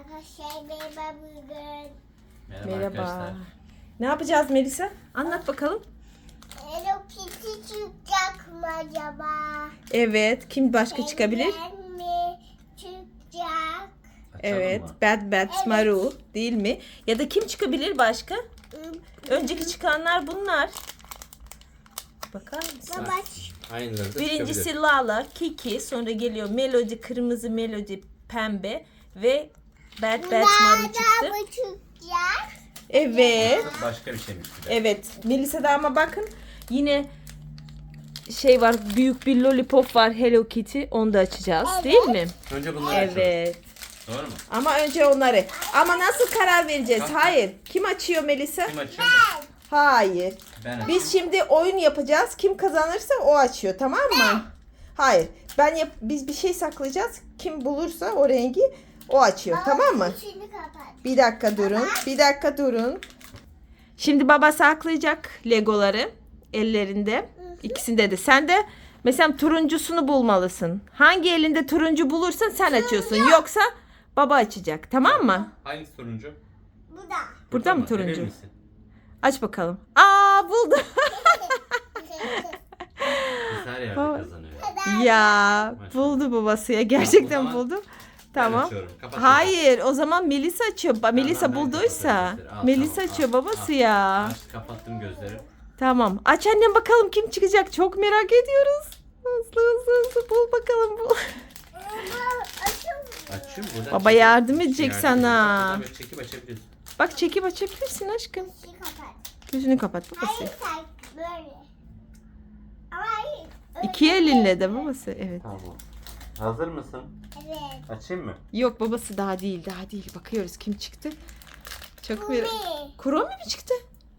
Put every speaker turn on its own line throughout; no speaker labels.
Arkadaşlar merhaba bugün.
Merhaba.
Merhaba. Ne yapacağız Melisa? Anlat bakalım.
Hello Kitty çıkacak mı acaba?
Evet. Kim başka çıkabilir?
Benden mi çıkacak?
Evet.
mı?
Bad Maru değil mi? Ya da kim çıkabilir başka? Önceki çıkanlar bunlar. Bakar mısın?
Baba
Aynıları da
Birincisi
çıkabilir.
Lala, Kiki, sonra geliyor Melody, kırmızı Melody, pembe ve Bad Maru çıktı.
nereden mı çıkacak?
Evet.
Başka bir şeymiş bir de.
Evet. Melisa'da ama bakın yine şey var, büyük bir lollipop var, Hello Kitty. Onu da açacağız,
Evet.
değil mi?
Önce bunları açalım.
Evet.
Doğru mu?
Ama önce onları. Ama nasıl karar vereceğiz?
Tamam.
Hayır. Kim açıyor Melisa?
Kim açıyor?
Hayır.
Ben açıyorum.
Biz şimdi oyun yapacağız. Kim kazanırsa o açıyor, tamam mı? Hayır. Biz bir şey saklayacağız. Kim bulursa o rengi o açıyor, tamam mı?
Şimdi kapat.
Bir dakika durun. Bir dakika durun. Şimdi baba saklayacak Legoları ellerinde. İkisinde de. Sen de mesela turuncusunu bulmalısın. Hangi elinde turuncu bulursan sen açıyorsun. Yoksa baba açacak. Tamam mı?
Hangisi turuncu?
Bu da.
Burada mı
Emin
turuncu?
misin?
Aç bakalım. Aa, buldum.
Biz her yerde
Baba.
kazanıyoruz.
Ya buldu babası ya. Gerçekten
O zaman
buldu.
Ben
Tamam.
açıyorum. Kapat.
Hayır, o zaman Melisa açıyor. Melisa
ben
bulduysa.
kapatıyorum. Al,
Melisa
tamam,
açıyor
al,
babası
al.
ya.
Aç, kapattım gözleri.
Tamam. Aç annem bakalım kim çıkacak. Çok merak ediyoruz. Hızlı bul bakalım bul.
Açıyorum. Buradan
Baba
çekip-
yardım edecek sana.
Buradan böyle çekip açabiliyorsun.
Bak çekip açabilirsin aşkım.
Şimdi kapat.
Gözünü kapat babası.
Hayır sen böyle. Ama hayır.
İki elinle de babası. Evet.
Tamam. Hazır mısın?
Evet.
Açayım mı?
Yok babası daha değil. Bakıyoruz kim çıktı. Çok merak.
Mi?
Kuromi mi çıktı?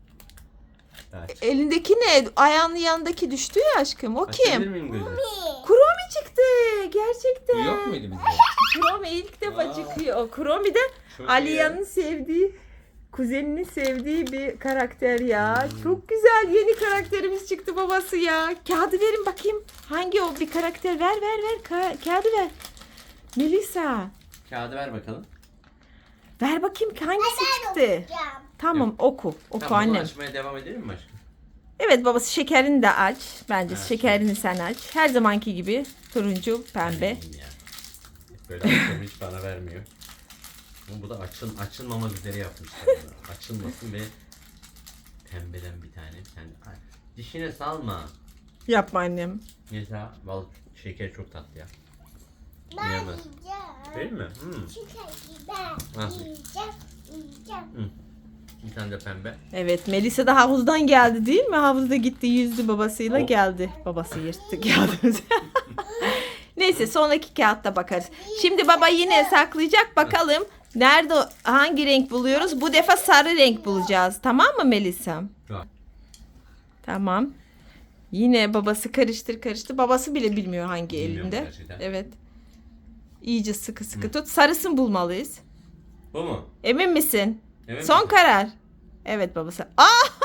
Aç.
Elindeki ne? Ayağının yanındaki düştü ya aşkım. O
Açabilir
kim?
miyim gözü?
Mi?
Kuromi çıktı. Gerçekten.
Bu yok muydu bizde?
Kuromi ilk defa
Aa.
çıkıyor. O Kuromi de
Çok
Aliya'nın sevdiği, kuzeninin sevdiği bir karakter ya. Çok güzel, yeni karakterimiz çıktı babası ya. Kağıdı verin bakayım. Hangi o bir karakter? Ver. Kağıdı ver. Melisa.
Kağıdı ver bakalım.
Ver bakayım hangisi
Ben
çıktı?
okuyacağım.
Tamam oku. Oku
Tamam, bunu
annem.
açmaya devam edelim mi aşkım?
Evet babası, şekerini de aç. Bence
Evet.
şekerini sen aç. Her zamanki gibi turuncu, pembe.
Yiyeyim ya. Böyle açıyorum, hiç bana vermiyor. Ama bu da açılmamak üzere yapmışlar bunu. Açılmasın ve pembeden bir tane. Ay, dişine salma.
Yapma annem.
Mesela bal şeker çok tatlı ya.
Ben
Yiyemez.
yiyeceğim.
Değil mi?
Çünkü ben
Nasıl?
yiyeceğim.
Bir tane de pembe.
Evet, Melisa da havuzdan geldi değil mi? Havuzda gitti, yüzdü babasıyla
Oh.
geldi. Babası yırttı kağıdımızı. Neyse sonraki kağıtta bakarız. Şimdi baba yine saklayacak, bakalım. Nerede, hangi renk buluyoruz? Bu defa sarı renk bulacağız. Tamam mı Melisa?
Var.
Tamam. Yine babası karıştır. Babası bile bilmiyor hangi
Bilmiyorum
elinde.
gerçekten.
Evet. İyice sıkı tut. Sarısını bulmalıyız.
Bu mu?
Emin misin?
Emin
Son
misin?
karar. Evet babası. Aa!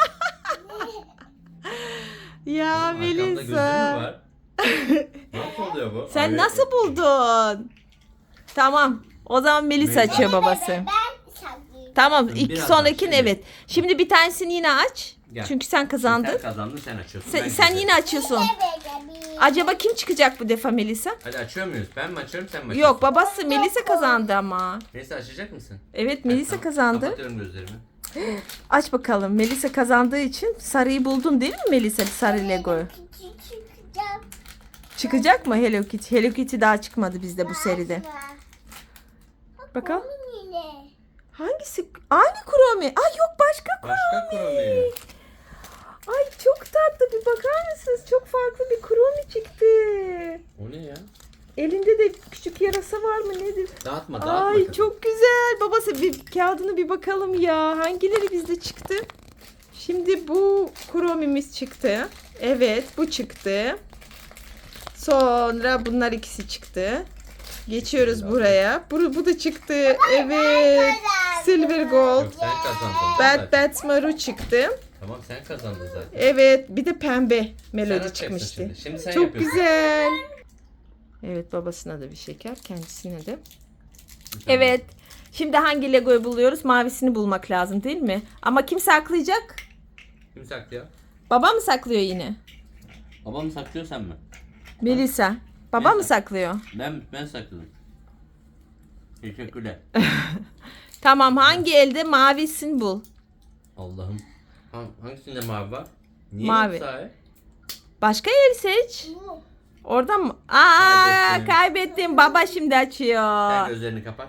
Ya
Oğlum, arkamda gözü mü
Melisa.
var? Nasıl oluyor bu?
Sen
Abi,
nasıl buldun? Tamam. O zaman Melisa
Melisa.
açıyor babası.
Ben saklayayım.
Tamam.
Biraz
İlk
daha
sonrakini
şimdi.
evet. Şimdi bir tanesini yine aç.
Gel.
Çünkü sen kazandın.
Sen kazandın, sen açıyorsun.
Sen,
ben
sen
güzelim.
yine açıyorsun. Acaba kim çıkacak bu defa Melisa?
Hadi açıyor muyuz? Ben mi açıyorum, sen mi açıyorsun?
Yok, babası Melisa kazandı ama.
Neyse, açacak mısın?
Evet, Melisa
Tamam,
kazandı.
Kapatıyorum gözlerimi.
Aç bakalım. Melisa kazandığı için sarıyı buldun değil mi Melisa? Sarı Lego'yu.
Çıkacağım.
Çıkacak mı Hello Kitty? Hello Kitty daha çıkmadı bizde bu seride. Bakalım.
Onun yine.
Hangisi? Aynı Kuromi. Ay yok, başka
Başka
Kuromi.
Kuromi.
Ay çok tatlı, bir bakar mısınız? Çok farklı bir Kuromi çıktı.
O ne ya?
Elinde de küçük yarasa var mı nedir?
Dağıtma.
Ay
sakın.
çok güzel. Babası bir kağıdını bir bakalım ya. Hangileri bizde çıktı? Şimdi bu Kuromi'miz çıktı. Evet, bu çıktı. Sonra bunlar ikisi çıktı. Geçiyoruz buraya. Bu da çıktı. Evet. Silver Gold.
Yok, sen kazandın.
Bad Maru çıktı.
Tamam, sen kazandın zaten.
Evet, bir de pembe
Sen
Melody
açacaksın
çıkmıştı.
Şimdi. Şimdi sen
Çok
yapıyorsun.
güzel. Evet, babasına da bir şeker, kendisine de.
Bir tane.
Evet. Şimdi hangi Lego'yu buluyoruz? Mavisini bulmak lazım değil mi? Ama kim saklayacak?
Kim saklıyor?
Baba mı saklıyor yine?
Babam saklıyor sen mi?
Melisa. Baba
Ben
mı saklıyor?
Ben sakladım. Teşekkürler.
Tamam, hangi elde mavisini bul.
Allah'ım. Hangisinde mavi var? Niye
Mavi.
sahi?
Başka el seç.
Bu.
Oradan mı?
Kaybettim.
Kaybettim. Baba şimdi
Sen
açıyor.
gözlerini kapat.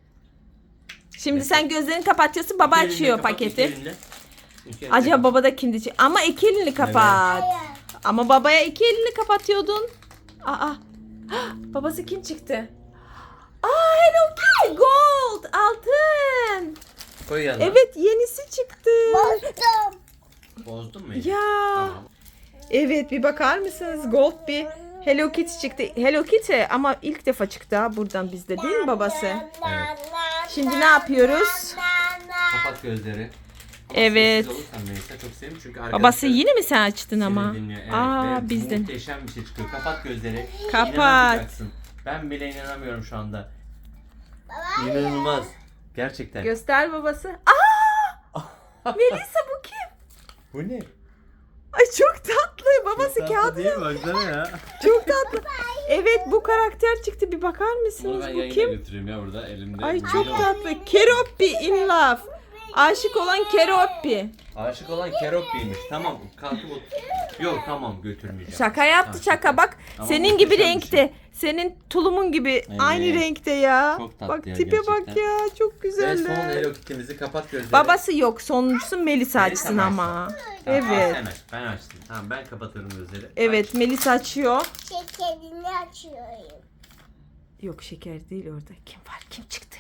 Şimdi sen gözlerini kapatıyorsun. Baba
İki elinde
açıyor
kapat,
paketi.
iki elinde. İki elinde
Acaba
kapat.
baba da kimdi? Ama iki elini kapat.
Hayır.
Ama babaya iki elini kapatıyordun. Aa. Babası kim çıktı? Hello Kitty Gold. Altın.
Koy yanına.
Evet, yenisi çıktı.
Bastım.
Bozdun mu?
Ya.
Tamam.
Evet, bir bakar mısınız? Gold bir Hello Kitty çıktı. Hello Kitty ama ilk defa çıktı ha buradan bizde değil mi babası?
Evet.
Şimdi ne yapıyoruz?
Kapat gözleri.
Evet.
Sessiz olursan Melisa çok sevim çünkü arkadaşlar
Babası yine mi sen açtın
seni
ama?
dinliyor. Evet,
Aa,
ve
bizden.
muhteşem bir şey çıkıyor. Kapat gözleri.
Kapat.
İnanamayacaksın. Ben bile inanamıyorum şu anda. İnanılmaz. Gerçekten.
Göster babası. Aa! Melisa bu kim?
Bu ne?
Ay çok tatlı. Babası kağıdı.
değil mi? Baksana ya.
Çok tatlı. Evet, bu karakter çıktı. Bir bakar
Bunu
mısınız?
ben
Bu
yayına
kim?
götüreyim ya burada elimde.
Ay
Video
çok
var.
tatlı. Keroppi in love. Aşık olan Keroppi.
Aşık olan Keroppi'ymiş. Tamam kalkıp Yok tamam götürmeyeceğim.
Şaka yaptı,
Tamam,
şaka. Bak
Ama
senin gibi
muhteşem bir
renkte.
şey.
Senin tulumun gibi
Evet.
aynı renkte ya.
Çok tatlı
Bak
ya,
tipe bak
gerçekten.
ya. Çok
Ve
güzel.
son Hello Kitty'mizi kapat gözleri.
Babası yok. Sonuncusu Melisa
Melisa
açsın
mı
ama.
Tamam,
Evet.
Sen aç. Ben açtım. Tamam ben kapatırım gözleri.
Evet, Melisa açıyor.
Şekerini açıyorum.
Yok, şeker değil orada. Kim var? Kim çıktı?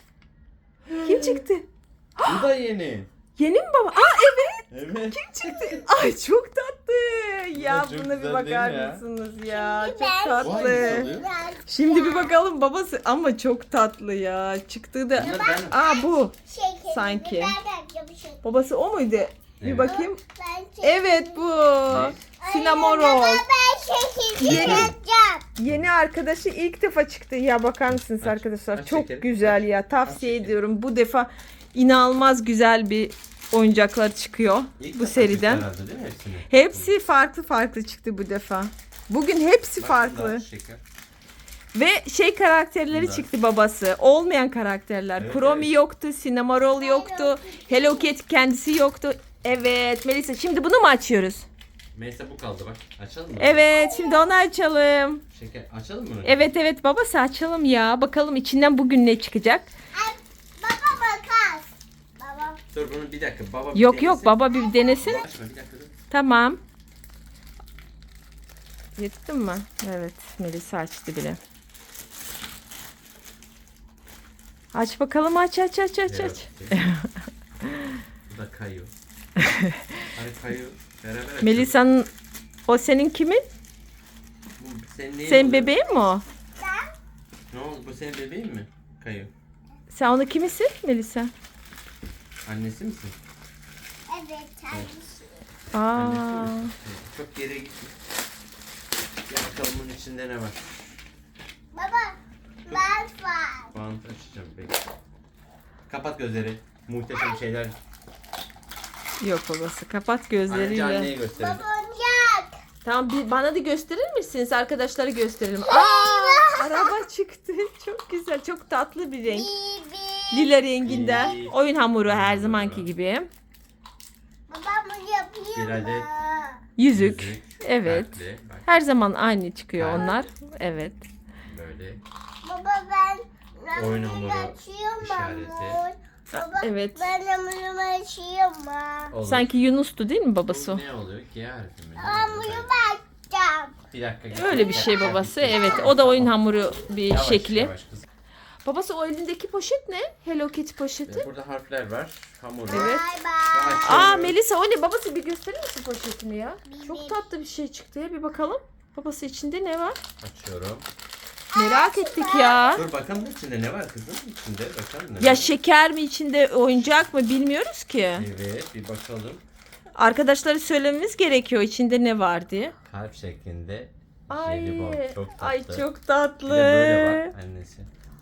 Kim çıktı?
Bu da yeni.
Yeni mi baba? Aa evet.
Evet.
Çıktı. Ay çok tatlı. Ya
çok
buna bir
güzel
bakar
değil mi ya?
mısınız ya? Çok
ben-
Bu hangisi
tatlı.
oluyor?
Şimdi bir bakalım babası ama çok tatlı ya. Çıktığı da.
Bunları ben...
Aa bu.
Şekerini
Sanki.
ben açacağım şekerini.
Babası o muydu? Bir
Evet.
bakayım.
Ben şekerini-
Evet bu. Cinnamon
Baba,
roll.
ben şekerini
Yeni.
açacağım.
Yeni arkadaşı ilk defa çıktı. Ya bakar mısınız
Aç,
arkadaşlar?
aç
Çok
şekeri.
güzel ya. Tavsiye
şekeri.
ediyorum. Bu defa inanılmaz güzel bir oyuncaklar çıkıyor
İlk
bu
defa
seriden.
çıktı herhalde, değil mi hepsini?
Hepsi farklı farklı çıktı bu defa. Bugün hepsi
Bak,
farklı.
bunda şeker.
Ve şey karakterleri
Bunda.
çıktı babası. Olmayan karakterler.
Evet,
Chromie
evet.
yoktu, Cinnamoroll yoktu, Hello Kitty kendisi yoktu. Evet Melisa, şimdi bunu mu açıyoruz?
Melisa bu kaldı bak. Açalım mı?
Evet, şimdi onu açalım.
Şeker açalım mı?
Evet babası, açalım ya. Bakalım içinden bugün ne çıkacak.
Ay, baba makas. Baba.
Dur bunu bir dakika. Baba bir
Yok
denesin.
baba bir denesin.
Açma bir dakika dur.
Tamam. Yırttın mı? Evet, Melisa açtı bile. Aç bakalım, aç.
Evet. Bu da kayıyor. Hani kayıyor. Beraber açıyoruz.
Melisa'nın, o senin kimin?
Bu senin neyin
Senin
oluyor?
bebeğin mi o?
Ne oldu? Bu senin bebeğin mi? Kayıyor.
Sen onu kimisin Melisa?
Annesi misin?
Evet tanesi.
Aa,
Annesi misin? Evet, çok geri gitme. Gel bakalım bunun içinde ne var?
Baba ben var.
Bant açacağım bekle. Kapat gözleri. Muhteşem şeyler.
yok babası. Kapat
Anneci
gözleriyle.
anneye gösterelim.
Baba oyuncak.
Tamam, bana da gösterir misiniz? Arkadaşlara gösterelim. Aa, araba çıktı. Çok güzel, çok tatlı bir renk.
Bibi.
Lila renginden.
İyi.
Oyun hamuru her
Hamuru.
zamanki gibi.
Baba bunu yapayım
Bir adet.
mı?
Yüzük. Evet.
kalpli, bak
Her zaman aynı çıkıyor
Kalp.
onlar. Evet.
böyle.
Baba ben
Oyun
bunu
hamuru
açıyorum
işareti.
hamur. Baba
Evet.
ben hamurumu açıyorum mı?
Olur.
Sanki Yunus'tu değil mi
Bu
babası?
ne oluyor ki ya harfi mi? Ne oluyor?
Hamurumu açacağım.
Bir dakika.
Öyle bir şey babası. Evet, o da oyun hamuru bir
Yavaş,
şekli.
yavaş kızım.
Babası, o elindeki poşet ne? Hello Kitty poşeti.
Burada harfler var. Hamur.
Evet.
Bay bay.
Aa Melisa, o ne? Babası bir gösterir misin poşetini ya? Çok tatlı bir şey çıktı ya, bir bakalım. Babası, içinde ne var?
Açıyorum.
Merak ettik ya.
Dur bakalım içinde ne var kızım? İçinde bakalım ne
Ya
var?
şeker mi içinde, oyuncak mı bilmiyoruz ki.
Evet bir bakalım.
Arkadaşlara söylememiz gerekiyor içinde ne var diye.
Kalp şeklinde.
Ay,
Jelibon. Çok tatlı.
ay çok
Bir
tatlı.
de böyle var annesi.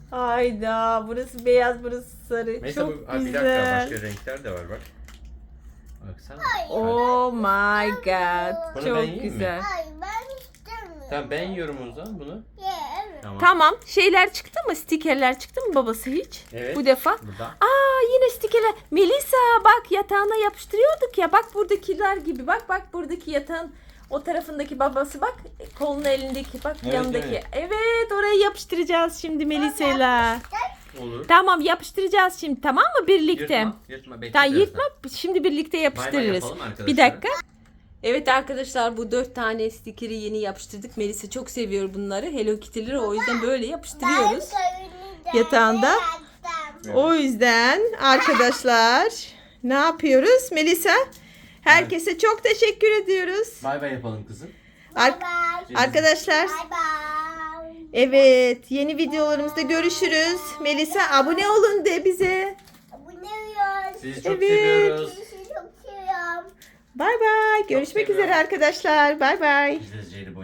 Hayda, burası beyaz, burası sarı.
Mesela
Çok
bir dakika,
güzel.
başka renkler de var bak. Baksana.
Oh my god.
Bunu ben
Çok
yiyeyim mi?
güzel.
Hayır ben istemiyorum.
Tamam ben yiyorum o zaman bunu.
Ye, evet.
Tamam.
Tamam. Şeyler çıktı mı? Stikerler çıktı mı babası hiç?
Evet.
Bu defa.
Burada.
Aa, yine stikerler. Melisa bak, yatağına yapıştırıyorduk ya. Bak buradakiler gibi. Bak buradaki yatağın o tarafındaki babası bak. Kolun elindeki bak,
Evet,
yanındaki.
evet.
Evet, orayı yapıştıracağız şimdi Melisa'yla.
Olur.
Tamam, yapıştıracağız şimdi, tamam mı, birlikte?
Yırtma. Bekle
Tamam,
birazdan.
yırtma. Şimdi birlikte
Bay bay
yapıştırırız.
yapalım arkadaşlar.
Bir dakika. Evet arkadaşlar, bu 4 tane stikeri yeni yapıştırdık. Melisa çok seviyor bunları. Hello Kitty'leri, o yüzden böyle yapıştırıyoruz. Yatağında.
Yatağında.
O yüzden arkadaşlar ne yapıyoruz Melisa? Herkese çok teşekkür ediyoruz.
Bay bay yapalım kızım.
Ar-
Bye bye.
arkadaşlar,
Bye bye.
evet, yeni videolarımızda görüşürüz. Melisa, abone olun de bize.
Bu ne yiyor?
Sizi çok
Evet.
seviyoruz.
Sizi çok seviyorum.
Bay bay. Görüşmek
seviyorum.
üzere arkadaşlar. Bay bay.
Biz de Jelibon